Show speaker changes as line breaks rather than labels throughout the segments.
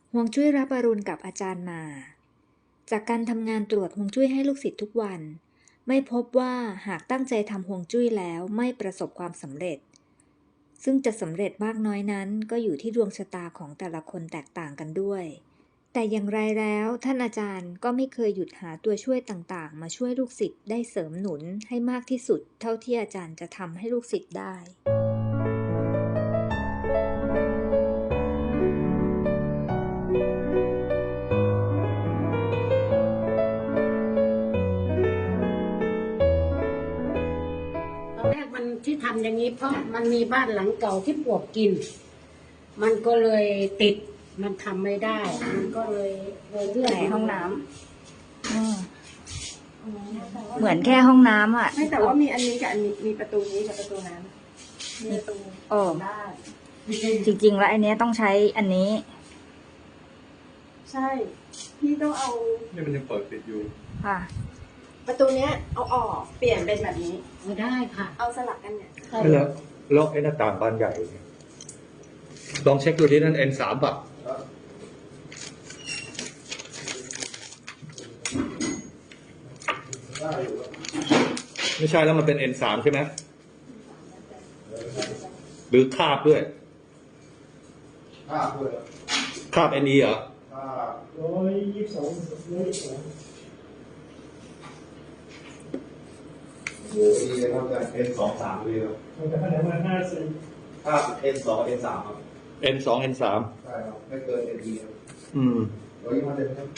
ฮวงจุ้ยรับอรุณกับอาจารย์มา จากการทำงานตรวจฮวงจุ้ยให้ลูกศิษย์ทุกวัน ไม่พบว่าหากตั้งใจทำฮวงจุ้ยแล้วไม่ประสบความสำเร็จ ซึ่งจะสำเร็จมากน้อยนั้นก็อยู่ที่ดวงชะตาของแต่ละคนแตกต่างกันด้วย แต่อย่างไรแล้วท่านอาจารย์ก็ไม่เคยหยุดหาตัวช่วยต่างๆมาช่วยลูกศิษย์ได้เสริมหนุนให้มากที่สุดเท่าที่อาจารย์จะทำให้ลูกศิษย์ได้
ตอนแรกมันที่ทำอย่างนี้เพราะมันมีบ้านหลังเก่าที่ปลวกกิน มันก็เลยติดมันทำไม่ได้ มันก็เลยเลื่อน
ในห้องน้ำเหมือนแค่ห้องน้ำอ่ะ
ไม่แต่ว่ามีอันนี้กับอันนี้มีประตูนี้กับประตูนั้นมีประตู
โอ้
ได้
จริงๆแล้วอันเนี้ยต้องใช้อันนี้
ใช่พี่ต้องเอา
นี่มันยังเปิดปิดอยู่
ค่ะ
ประตูเนี้ยเอาออกเปลี่ยนเป็นแบบนี้
ไม่ได้ค่ะ
เอาสลับกันเนี่ย
แล้วไอ้หน้าต่างบานใหญ่เนี่ยลองเช็คดูที่นั่น N3 ป่ะไม่ใช่แล้วมันเป็น N3 ใช่ไหมหรือคาบด้วย
คาบด้วย
คาบ NE เหรอ
คาบ
122
โอ้ดีเลยครับอาจารย์ N23 เลยครับ
มันจะขนาดมา50
คาบ N2 N3 ครับ
N2 N3
ใช่ครับไม่เกิน ND ครับ
อืม
125เซนครับ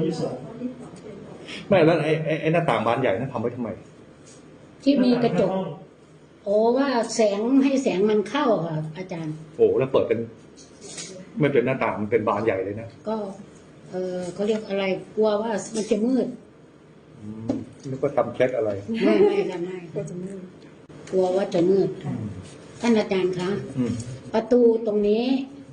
122
ไม่แล้วไอ้หน้าต่างบานใหญ่นั่นทำไว้ทำไม
ที่มีกระจก โอ้ว่าแสงให้แสงมันเข้าค่ะ อาจารย์
โอ้แล้วเปิดเป็นไม่เป็นหน้าต่างมันเป็นบานใหญ่เลยนะ
ก็เขาเรียกอะไรกลัวว่ามันจะมืด
นึกว่าทำเคล็ดอะไร
ไม่ค่ะไม่
ก็จะมืด
กลัวว่าจะมืดท่านอาจารย์คะ
อืม
ประตูตรงนี้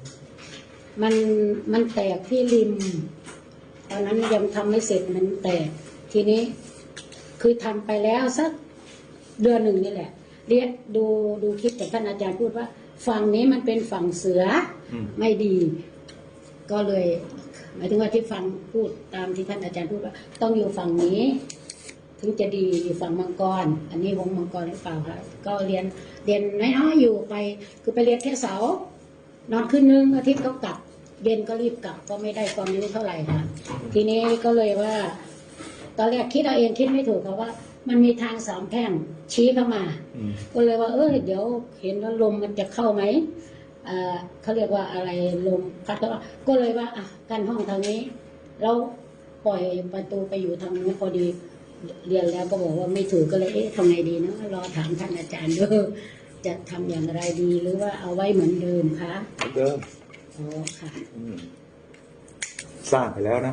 มันแตกที่ริม ตอนนั้นยังทำไม่เสร็จมันแตก ทีนี้ คือทำไปแล้วสักเดือนหนึ่งนี่แหละ เรียกดูคลิปจากท่านอาจารย์พูดว่า ฝั่งนี้มันเป็นฝั่งเสือไม่ดี ก็เลย หมายถึงว่าที่ฟังพูดตามที่ท่านอาจารย์พูดว่า ต้องอยู่ฝั่งนี้ ถึงจะดีอยู่ฝั่งมังกร อันนี้วงมังกรหรือเปล่าคะก็เรียนน้อยๆอยู่ไป คือไปเรียนแค่เสาร์นอนคืนนึงอาทิตย์ก็กลับ เย็นก็รีบกลับก็ไม่ได้ความรู้เท่าไหร่ค่ะ ทีนี้ก็เลยว่า ตอนแรกคิดเอาเองคิดไม่ถูกค่ะว่า มันมีทางสามแพร่งชี้เข้ามา ก็เลยว่าเดี๋ยวเห็นว่าลมมันจะเข้าไหมเขาเรียกว่าอะไรลมพัดก็เลยว่ากันห้องทางนี้แล้วปล่อยประตูไปอยู่ทางนู้นพอดีเรียนแล้วก็บอกว่าไม่ถูกก็เลยทำไงดีนะรอถามท่านอาจารย์ด้วยจะทำอย่างไรดีหรือว่าเอาไว้เหมือนเดิมคะ
เดิม
อ๋อค่ะ
สร้างไปแล้วนะ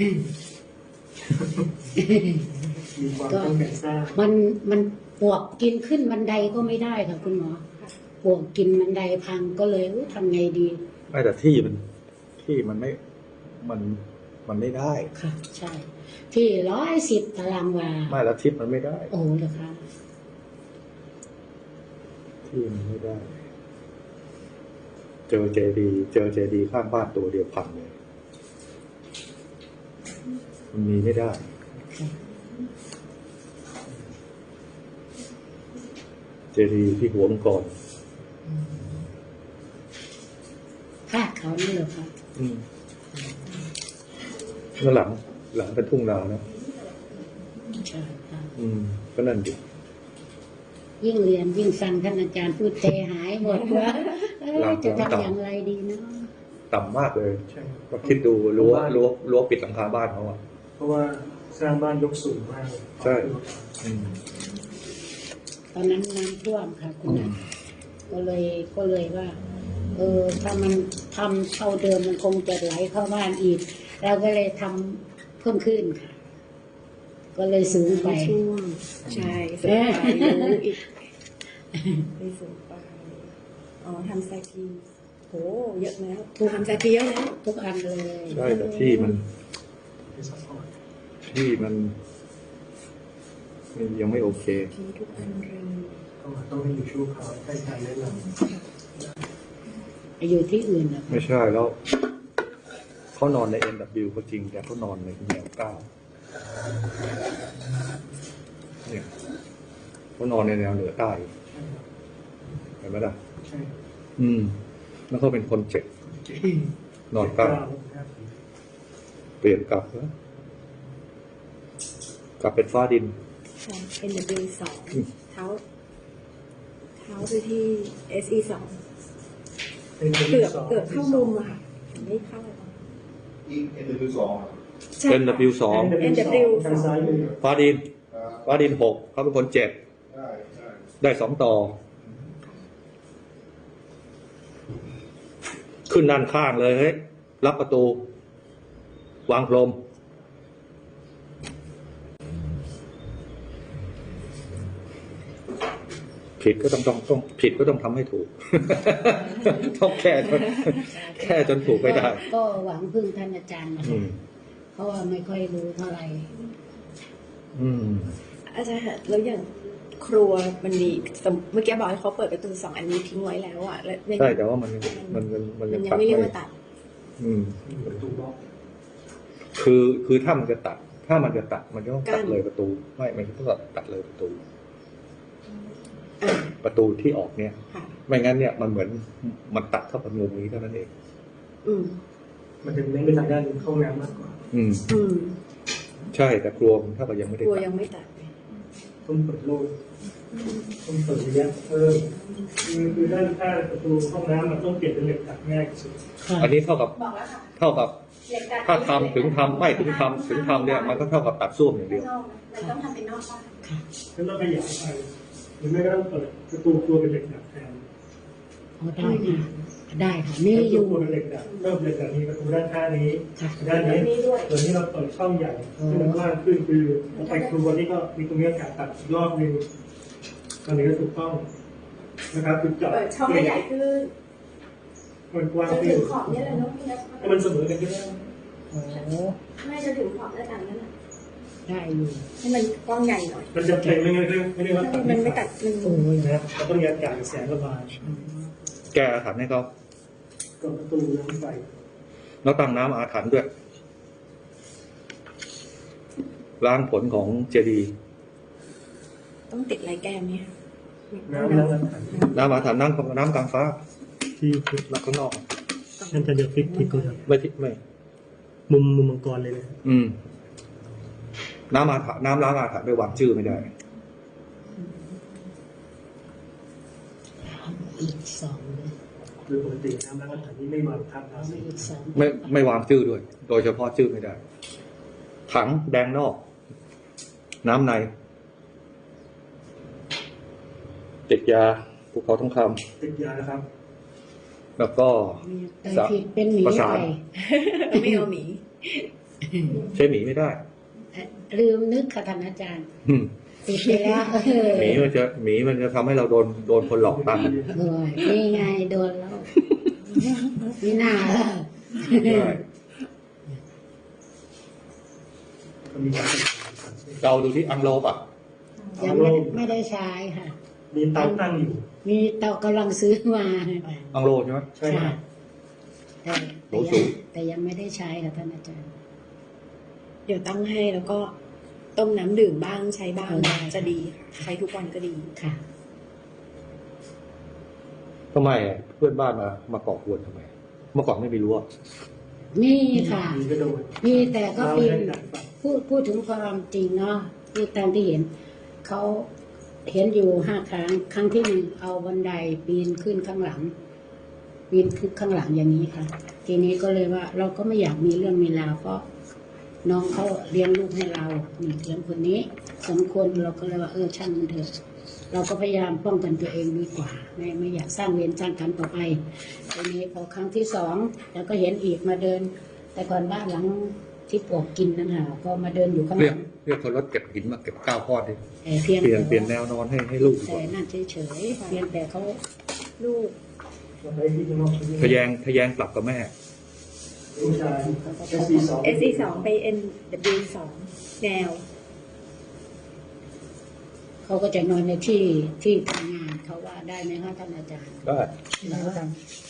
มีความต้องการสร้าง
มันปวกกินขึ้นบันไดก็ไม่ได้ค่ะคุณหมอปวกกินบันไดพังก็เลยทำไงดี
ไม่แต่ที่มันไม่มันไม่ได้
ค่ะ ใช่ ที่110 ตารางวา
ไม่แล้วทิศมันไม่ได้
โอ้เหรอคะ
ที่มันไม่ได้ เจอเจดีข้างบ้านตัวเดียวพังเลย มันมีไม่ได้ เจดีที่หัวมังกร
คาดเขานี่เหรอคะ
แล้วหลังเป็นทุ่งนานะ
ใช่ค่ะ
ก็นั่นดิ
ยิ่งเรียนยิ่งฟังท่านอาจารย์พูดใจหายหมดว่าจะทำอย่างไรดีเนาะ
ต่ำมากเลย
ใช่
ก็คิดดูรั้วปิดหลังคาบ้านเขาอ่ะ
เพราะว่าสร้างบ้านยกสูงมากเลย
ใช่
ตอนนั้นน้ำท่วมค่ะคุณอาก็เลยว่า ถ้ามันทำเท่าเดิมมันคงจะไหลเข้าบ้านอีกเราก็เลยทำเพิ่มขึ้นค่ะ ก็เลยสูงไป
ช่วงใช่สูงไปรู้อีกไปสูงไปทำแซกีโหเยอะแล้วทำแซกีเยอะแล้ว
ทุกอันเลย
ใช่แต่ที่มันยังไม่โอเค
ทีทุกอันเลย
ต้องให้อยู่ชั่วคราวให้การแนะนำ
อยู่ที่อื่นนะ
ไม่ใช่แล้วเขานอนใน NW ก็จริงแต่เขานอนในแนวเก้าเนี่ยเขานอนในแนวเหนือใต้เห็นไหมล่ะ
ใช่
แล้วเขาเป็นคนเจ็บนอนใต้เปลี่ยนกลับแล้วกลับเป็นฟ้าดิน
NW สองเท้าไปที่ SE สองเกือบเข้ามุมอะค่ะไม่เข้า
อีกNW2
ใช่
NW สอง
NW
ทางซ้ายมือ
ฟ้าดินฟ้าดินหกเขาเป็นคนเจ็บ
ได้ได้
ได้สองต่อ ขึ้นด้านข้างเลยเฮ้ยรับประตู วางพรมผิดก็ต้องผิดก็ต้องทำให้ถูก ต้องแค่จนถูกไม่ได้
ก็หวังพึ่งท่านอาจารย์นะ
อื
คะ
ม
เพราะว่าไม่ค่อยรู้เท่าไหร่
อืม
อาจารย์คะแล้วอย่างครัวมันมีเมื่อกี้บอกให้เขาเปิดประตู2 อันนี้ทิ้งไว้แล้วอ่ะแล้ว
ใช่แต่ว่ามันยัง
ยัง
ตัด
ไม่เรียก
ไม่
ว่าตัด
อืม
ประตูบล็อก
คือถ้ามันจะตัดมันจะต้องตัดเลยประตูไม่มันจะต้องตัดเลยประตู
อ่า
ประตูที่ออกเนี่ย
ค่ะ
ไม่งั้นเนี่ยมันเหมือนมันตัดเข้ากับมุมนี้เท่านั้นเอง
อืม
มันจะเน้นไปทางด้านเข้าน้ำมากกว่า
อืม
อืม
ใช่แต่ครัวมันเท่ากับยังไม่
ค
ได้
รัว
ตัด
ยังไม่ตัด
ต้องเปิดโลดต้องเปิดระยะเพิ่มคือด้านข้างประตูห้องน้ำมันต้องเปลี่ยนเป็นเหล็กดัดง่ายที่สุด
อันนี้เท่ากับถ้าทำถึงทำเนี่ยมันก็เท่ากับตัดส้วมอย่างเดียว
มันต้องทำเป็นนอกบ้าน
แล้วเราขยายไปหรือไม่ก็ต้องเปิดประตูครัวเป็นเหล็กดัดแทน
อ๋อได้ค่ะได้ค่ะมีอยู่
ประตูเป็นเหล็กดัดเริ่มเหล็กดัดมีประตูด้านข้างนี้ด้านนี้ส่วนนี้เราเปิดช่องใหญ่ให้มันกว้างขึ้นคือไปครัวนี่ก็มีตรงนี้อากาศตัดอีกรอบนึงตอนนี้ก็ถูกต้องนะครับคือเจาะ
เปิดช่องให้ใหญ่ขึ้น
มันกว้าง
จน
ขึ้
ถึ
น
งขอบเนี่ยเลยเนาะพี่นะ
ให้มันเสมอกันก็ได้
โอ้
ไม่จนถึงขอบแล้วกันนั่นแหละ
ได้อยู่
ให้มันกว้างใหญ่หน่อย
มันจะเป็นไม่งั้นไม่ได้ว่าตัด
มันไม่ตัดมัน
โอ้ย
นะเราต้องมีอากาศแสงระบาย
แก้อาถรรพ์ให้เขา
ก็ประตูน้ำไฟ
แล้วตั้งน้ำอาถรรพ์ด้วยล้างผลของเจดีย์
ต้องติดลายแก้มเนี่ย
น้ำ
น้ำอาถรรพ์น้ำกลางฟ้า
ที่
แล้วข้างนอก
นั่นจะเดือดพลิกก็ครับ
ไม่
มุมมังกรเลยนะ
น้ำอาถรรพ์น้ำล้างอาถรรพ์ไปวางชื่อไม่ได้
อีกสองเลย
คือปกติน้ำล้างอาถรรพ์นี่ไม่วางทับ
เอาไม่อีกสอง
ไม่วางชื่อด้วย โดยเฉพาะชื่อไม่ได้ ถังแดงนอก น้ำในติดยาภูเขาทองค
ติดยานะครับ
ำแล้วก็
แต่ผิดเป็นหมี
ประ
ไป
สาน
ไม่เอาหมี
ใช้หมีไม่ได้
ลืมนึกค่ะท่านอาจารย์
อืม
ติดไปแล้ว
หมีมันจะทำให้เราโดนคนหลอกตังค์
โอ้ยนี่ไงโดนแล้วนี่น่าแล้ว
ได้
ก็มีการ
เราดูที่อังโลป่ะ
ยังไม่ได้ใช้ค่ะ
มีเตาตั้งอยู่
มีเตากำลังซื้อมา
อังโลใช่ไหม
ใช่ไหม
แต่ยังไม่ได้ใช้ค่ะท่านอาจารย์
เดี๋ยวตั้งให้แล้วก็ต้มน้ำดื่มบ้างใช้บ้าง
ได้
จะดีค่ะใช้ทุกวันก็ดี
ค่ะ
ทำไมเพื่อนบ้านมาก่อกวนทำไม เมื่อก่อนไม่มีรั้ว
มีค่ะ
มีก็โดน
มีแต่ก็
เรา
ปี
ให้
น
ดัดฝัน
พูดถึงความจริงเนาะที่ตามที่เห็น เขาเห็นอยู่5 ครั้ง ครั้งที่ 1เอาบันไดปีนขึ้นข้างหลัง ปีนขึ้นข้างหลังอย่างนี้ค่ะ ทีนี้ก็เลยว่า เราก็ไม่อยากมีเรื่องมีราวเพราะน้องเขาเลี้ยงลูกให้เรานี่เลี้ยงคนนี้2 คนเราก็เลยว่าช่างมันเถอะเราก็พยายามป้องกันตัวเองดีกว่าไม่อยากสร้างเวรสร้างกรรมต่อไปทีนี้พอครั้งที่2แล้วก็เห็นอีกมาเดิน แต่ก่อนบ้านหลังที่ปลวกกินนั่นค่ะก็มาเดินอยู่ข้างห
เรีย
ลั
ก
ง
เรียกคนรถเก็บหินมาเก็บก้าวข้อดิ
แต่เพียง
เปลี่ยนแนวนอนให้ลูกดีก
แต่
ว่า
นั่นเฉยๆเพียงแต่เขาลูก
เราให้ที่ข้างนอก
ทะแยงกลับกับแม่
ผู้ชาย SC2
SE 2ไป NW 2แนว
เขาก็จะนอนในที่ทำงานเขาว่าได้ไหมคะท่านอาจารย์
ได้
แล้ว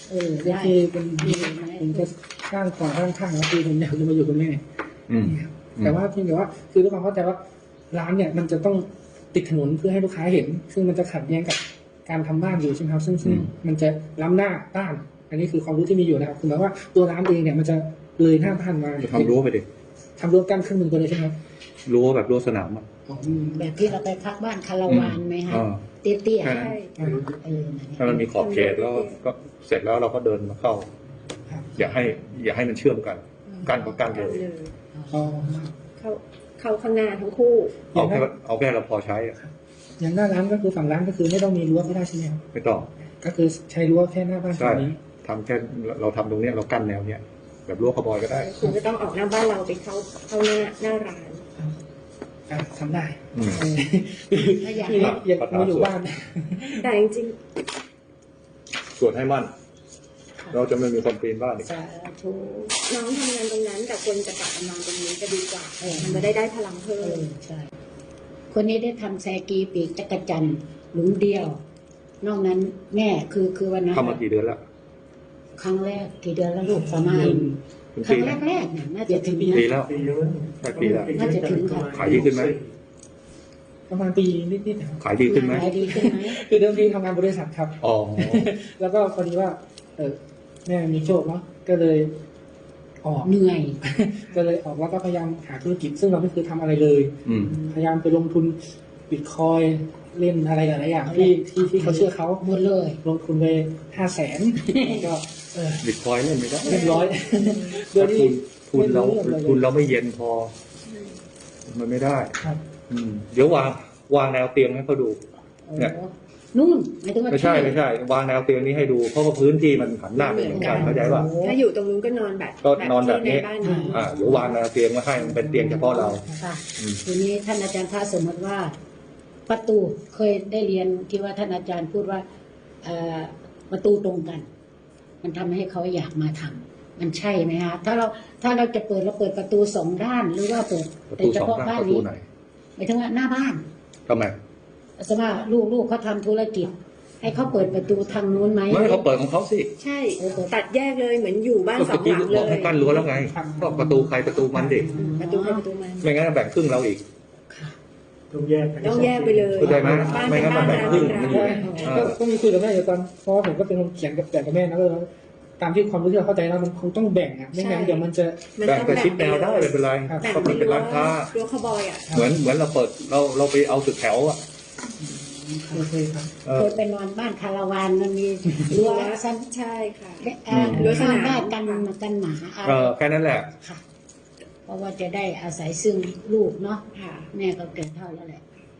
ได้
คือเป็นผมจะสร้างก่อนสร้างข้างแล้วคือผมอยากจะมาอยู่กับแม่
อืม
แต่ว่าเพียงแต่ว่าคือด้วยความเข้าใจว่าร้านเนี่ยมันจะต้องติดถนนเพื่อให้ลูกค้าเห็น ซึ่งมันจะขัดแย้งกับการทำบ้านอยู่ใช่ไหมครับซึ่งมันจะล้ำหน้าบ้าน อันนี้คือความรู้ที่มีอยู่นะครับคือหมายว่าตัวร้านเองเนี่ยมันจะเลยหน้าบ้านมา
ทำรั้วไปดิ
ทำรั้วกั้นครึ่งหนึ่งไปเลยใช่ไหมครับ
รั้วแบบรั้วสนามอ่ะ
แบบที่เราไปพักบ้านคาราวานไหมฮะ
อ่า
เตี้ย
แค่นั้น
ๆนั่น
ถ้ามันมีขอบเขตแล้วก็เสร็จแล้วเราก็เดินมาเข้า อย่าให้มันเชื่อมกันกั้นก็กั้นเลย
อ๋อ
เข้าข้างหน้าทั้งคู่
เอาแค่เราพอใช้อะ
อย่างหน้าร้านก็คือฝั่งร้านก็คือไม่ต้องมีรั้วก็ได้ใช่ไหมครับ
ไม่ต้อง
ก็คือใช้รั้วแค่หน้าบ้าน
ใช่
ตรงนี้
ทำแค่เราทำตรงเนี้ยเรากั้นแนวเนี้ยแบบรั้วขบอยก็ได้
คุณก็ต้องออกหน้าบ้านเราไปเข้าหน้าร้าน
ทำได้
อืม
ถ้าอยาก
คืออยากมาอยู่บ้าน
แต่จริง
ส่วนให้มั่น เราจะไม่มีคนปีนบ้านอีก
สาธุ
ๆน้องทำงานตรงนั้นแต่คนจะกลับมานอนตรงนี้จะดีกว่ามันจะได้พลังเพิ่ม
ใช่คนนี้ได้ทำแซกีปีกจักรจันทร์หลุมเดียว นอกนั้นแม่คือวันนั้น
ทำมากี่เดือนแล้ว
ครั้งแรกกี่เดือนแล้วลูกประมาณ
เป็น
ครั้
ปี
ง
แล้ว
แรกๆเนี่ยน่าจะถึง
ปี
นะ
แล้ว
ปีเยอะ
ใช่ปีแล้ว
น่าจะถึงค่ะ
ขายดีขึ้นไหม
ประมาณปีนิดๆนะครับ
ขายดีขึ้นไหม
ขายดีขึ้นไหม
คือเดิมทีทำงานบริษัทครับ
อ๋อ
แล้วก็พอดีว่า แม่มีโชคเนาะก็เลยออก
เหนื่อย
ก็เลยออกแล้วก็พยายามหาธุรกิจ ซึ่งเราไม่เคยทำอะไรเลย
อืม
พยายามไปลงทุนบิตคอยเล่นอะไรหลายๆอย่างที่เขาเชื่อเขา
หมดเลย
ลงทุนไป500,000ก็
บิตคอยเล่นไม่ได้
เรียบร้อยโดย
ถ้า
ที่
ทุนเราไม่เย็นพอ มันไม่ได้
ครับ
อืมเดี๋ยววางแนวเตียงให้เขาดู เนี่ย
นู่นหมายถึงว่า
ไม่ใช่วางแนวเตียงนี้ให้ดูเพราะว่าพื้นที่มันหันหน้าไปเหมือนกันเข้าใจป่ะ
ถ้าอยู่ตรงนู้นก็นอนแบบ
ก็นอนแบบนี้
ที่ในบ้านนี้
เดี๋ยววางแนวเตียงมาให้มันเป็นเตียงเฉพาะเรา
ค่ะ
อืม
ทีนี้ท่านอาจารย์พระสมมติว่า ประตูเคยได้เรียนที่ว่าท่านอาจารย์พูดว่าประตูตรงกัน มันทำให้เขาอยากมาทำมันใช่ไหมคะถ้าเราจะเปิดเราเปิดประตูสองด้าน หรือว่าเปิด
ประ
แต่
ตู
เฉ
สอง
พาะ
ด้าน
บ้าน
ประตู
นี้
ไหน
หมายถึงว่าหน้าบ้าน
ทำไม
สมมติว่าลูกเขาทำธุรกิจ ให้เขาเปิดประตูทางนู้นไหม
ไม่เขาเปิดของเขาสิ
ใช่ตัดแยกเลยเหมือนอยู่บ้าน
ก็
ส
ป
อ
ระ
ง
ตู
หลัง
บ
เล
อก
ย
ให้กั้นรั้วแล้วไงก็ประตูใครประตูมันดิ
ประตูใครประตูมัน
ไม่งั้นแบ่งครึ่งเราอีก
ต้องแยกกัน
ต้องแยกไปเลย
เข้าใจไหม
บ้าน
ไม่
เป็น
งั้น
บ้า
มัน นแบ่งครึ่ง
ร้าน
มันอยู่ไง
ก็มีคุยกับแม่อยู่ตอนเพราะว่าผมก็เป็นคนเขียนกับแม่นะก็เลยตามที่ความรู้ที่เราเข้าใจแล้วมันคงต้องแบ่งอ่ะไม่งั้นเดี๋ยวมันจะ
มัน
แบ่ง
ต้อง
แต่ชิดแนวได้ไม่เป็นไร
ครับ
แบ่ง
เพราะ
เป็
มัน
น
เป็นร้านค้า
รั้วคาวบอยอ่ะ
เหมือนเราเปิดเราไปเอาตึกแถวอ่ะ
โอเคครับ
เคยไปนอนบ้านคาราวานมันมีรั้วสั้น
ใช่ค่ะ
รั้วสนามได้กันหมาอะไร
แค่นั้นแหละ
ค่ะ เพราะว่าจะได้อาศัยซึ่งลูกเนาะ
ค่ะ
แม่ก็เกิดเท่าแล้วแหละ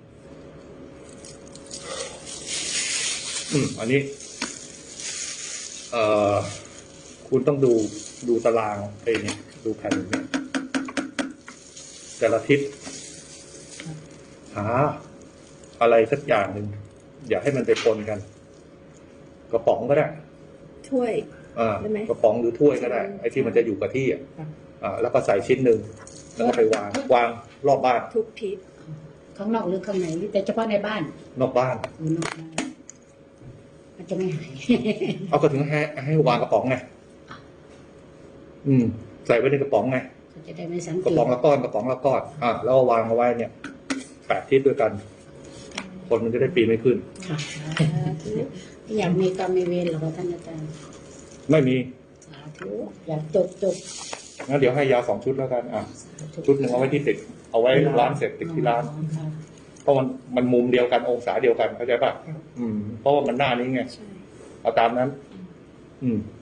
อันนี้ คุณต้องดูตารางไอ้นี่ดูแผนเนี่ยแต่ละทิศหาอะไรสักอย่างหนึ่งอย่าให้มันไปปนกัน กระป๋องก็ได้
ถ้วย ได้ไหม
กระป๋องหรือถ้วยก็ได้ไอ้ที่มันจะอยู่กับที่แล้วก็ใส่ชิ้นหนึ่งแล้วก็ไปวางรอบบ้าน
ทุกทิศ
ข้างนอกหรือข้างในหรือแต่เฉพาะในบ้าน
นอกบ้าน
หรือนอกบ้านมันจะไม่หาย
เอาก็ถึงให้วางกระป๋องไงใส่ไว้ในกระป๋องไง
เขาจะได้ไม่สัง
ก
เก
ระ
ต
ป๋องละก้อนแล้วก็วางเอาไว้เนี่ย8 ทิศด้วยกัน คนมันจะได้ปีนไม่ขึ้น
ค่ะอยากมีกรรมมีเวรเหรอคะท่านอาจารย์
ไม่มี
สาธุอยากจบ
งั้นเดี๋ยวให้ยา2 ชุดแล้วกันชุดหนึ่งเอาไว้ที่ติดเอาไว้ร้านเสร็จติดที่ร้าน
ค่ะ
เพราะมันมุมเดียวกันองศาเดียวกันเข้าใจป่ะเพราะว่ามันหน้านี้ไง
ใช่
เอาตามนั้น
ค